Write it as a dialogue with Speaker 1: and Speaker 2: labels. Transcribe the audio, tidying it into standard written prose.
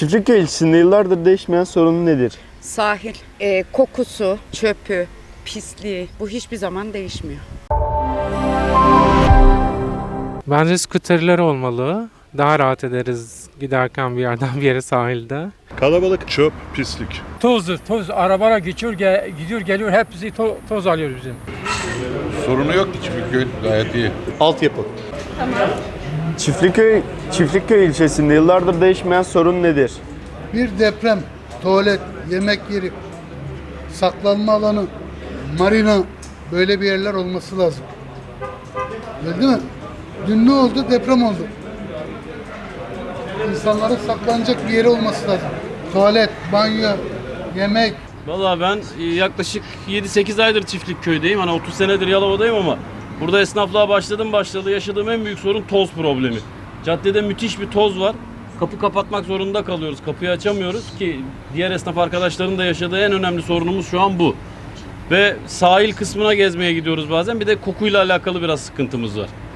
Speaker 1: Çiftlikköy ilçesinde yıllardır değişmeyen sorun nedir?
Speaker 2: Sahil, kokusu, çöpü, pisliği bu hiçbir zaman değişmiyor.
Speaker 3: Bence skuterler olmalı. Daha rahat ederiz giderken bir yerden bir yere sahilde.
Speaker 4: Kalabalık, çöp, pislik.
Speaker 5: Toz. Arabalar geçiyor, gidiyor, geliyor. Hepsi toz alıyor bizim.
Speaker 6: Sorunu yok ki Çiftlikköy gayet iyi.
Speaker 4: Altyapı.
Speaker 1: Çiftlikköy ilçesinde yıllardır değişmeyen sorun nedir?
Speaker 7: Bir deprem, tuvalet, yemek yeri, saklanma alanı, marina böyle bir yerler olması lazım. Öyle değil mi? Dün ne oldu? Deprem oldu. İnsanların saklanacak bir yeri olması lazım. Tuvalet, banyo, yemek.
Speaker 8: Valla ben yaklaşık 7-8 aydır Çiftlikköy'deyim. Hani 30 senedir Yalova'dayım ama burada esnaflığa başladı. Yaşadığım en büyük sorun toz problemi. Caddede müthiş bir toz var. Kapı kapatmak zorunda kalıyoruz. Kapıyı açamıyoruz ki diğer esnaf arkadaşların da yaşadığı en önemli sorunumuz şu an bu. Ve sahil kısmına gezmeye gidiyoruz bazen. Bir de kokuyla alakalı biraz sıkıntımız var.